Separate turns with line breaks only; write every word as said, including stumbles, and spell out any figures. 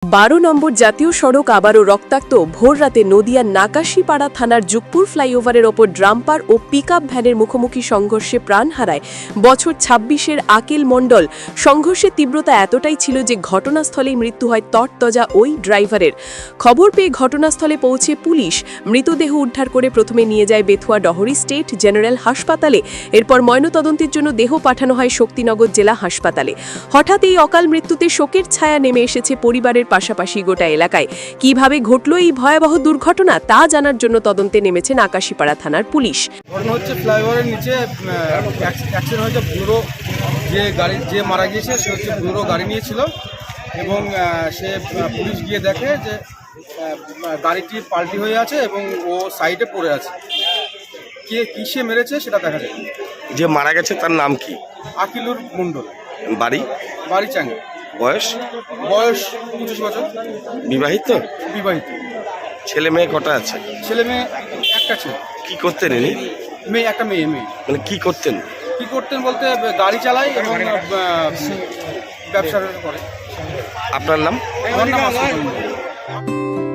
বারো নম্বর জাতীয় সড়ক আবারও রক্তাক্ত। ভোররাতে নদিয়ার নাকাশিপাড়া থানার যুগপুর ফ্লাইওভারের ওপর ড্রাম্পার ও পিকআপ ভ্যানের মুখোমুখি সংঘর্ষে প্রাণ হারায় বছর ছাব্বিশের আকিল মণ্ডল। সংঘর্ষের তীব্রতা এতটাই ছিল যে ঘটনাস্থলেই মৃত্যু হয় তরতজা ওই ড্রাইভারের। খবর পেয়ে ঘটনাস্থলে পৌঁছে পুলিশ মৃতদেহ উদ্ধার করে প্রথমে নিয়ে যায় বেথুয়া ডহরি স্টেট জেনারেল হাসপাতালে। এরপর ময়নাতদন্তের জন্য দেহ পাঠানো হয় শক্তিনগর জেলা হাসপাতালে। হঠাৎ এই অকাল মৃত্যুতে শোকের ছায়া নেমে এসেছে পরিবারের পাশাপাশি গোটা এলাকায়। কিভাবে ঘটল এই ভয়াবহ দুর্ঘটনা তা জানার জন্য তদন্তে নেমেছে নাকাশিপাড়া থানার পুলিশ।
ঘটনা হচ্ছে ফ্লাইওভারের নিচে অ্যাক্সিডেন্ট হয়েছে। বুড়ো যে গাড়ি যে মারা গিয়েছে সে হচ্ছে বুড়ো গাড়ি নিয়েছিল এবং সে পুলিশ গিয়ে দেখে যে গাড়িটি পাল্টি হয়ে আছে এবং ও সাইডে পড়ে আছে। কে কিসে মেরেছে সেটা দেখা যায়।
যে মারা গেছে তার নাম কি?
আকিলুর মণ্ডল।
বাড়ি?
বাড়ি চাঙ্গে।
বয়স?
বয়স পঁচিশ বছর।
বিবাহিত?
বিবাহিত।
ছেলে মেয়ে কটা আছে?
ছেলে মেয়ে একটা ছেলে।
কি করতেন ইনি?
মেয়ে একটা মেয়ে মেয়ে
মানে কি করতেন?
কি করতেন বলতে গাড়ি চালায় এবং ব্যবসা করে।
আপনার নাম?
আমার নাম আসিফ।